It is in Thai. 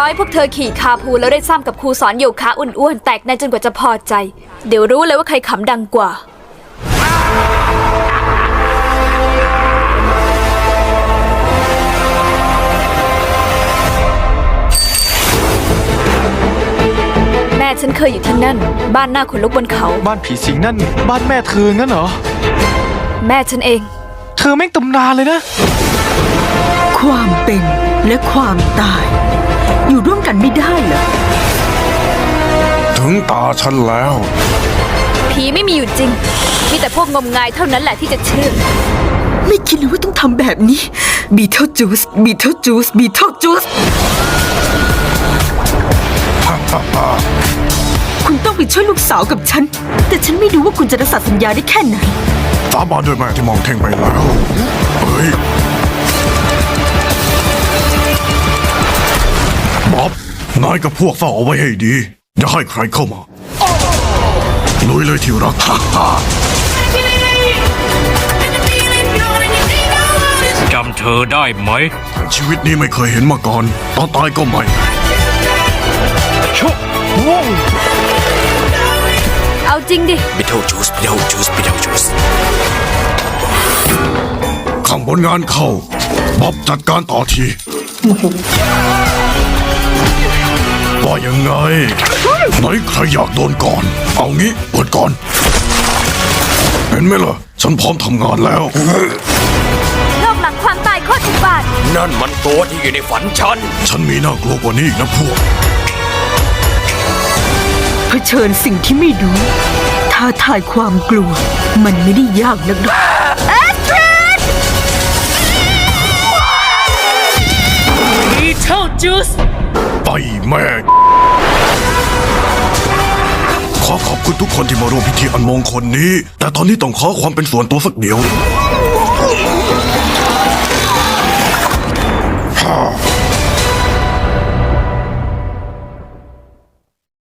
อยพวกเธอขี่คาพูแล้วได้ซ้ำกับครูสอนโยคะอ้วนๆแตกในจนกว่าจะพอใจเดี๋ยวรู้เลยว่าใครขำดังกว่าแม่ฉันเคยอยู่ที่นั่นบ้านหน้าขนลุกบนเขาบ้านผีสิงนั่นบ้านแม่เธองั้นเหรอแม่ฉันเองเธอแม่งตำนานเลยนะความเป็นและความตายอยู่ร่วมกันไม่ได้เหรอถึงตาฉันแล้วผีไม่มีอยู่จริงมีแต่พวกงมงายเท่านั้นแหละที่จะเชื่อไม่คิดเลยว่าต้องทำแบบนี้บีเทิลจูสบีเทิลจูสบีเทิลจูสคุณต้องไปช่วยลูกสาวกับฉันแต่ฉันไม่รู้ว่าคุณจะรักษาสัญญาได้แค่ไหนสาบานด้วยแม่ที่มองเท่งไปแล้วเฮ้ยบ๊อบนายกับพวกเฝ้าเอาไว้ให้ดีอย่าให้ใครเข้ามาลุยเลยที่รักจำเธอได้ไหมชีวิตนี้ไม่เคยเห็นมาก่อนตอนตายก็ไม่ชุบเอาจริงดิบิทเทิลจูสบิทเทิลจูสบิทเทิลจูสข้างบนงานเข้าบ๊อบจัดการต่อทีว่ายังไงไหนใครอยากโดนก่อนเอางี้เปิดก่อนเห็นไหมล่ะฉันพร้อมทำงานแล้วโลกหลังความตายโคตรอุบาทนั่นมันตัวที่อยู่ในฝันฉันมีน่ากลัวกว่านี้อีกนะพวกเผชิญสิ่งที่ไม่รู้ท้าทายความกลัวมันไม่ได้ยากนักหรอกบิทเทิลจูสไปแม่ขอขอบคุณทุกคนที่มาร่วมพิธีอันมงคลนี้แต่ตอนนี้ต้องขอความเป็นส่วนตัวสักเดียว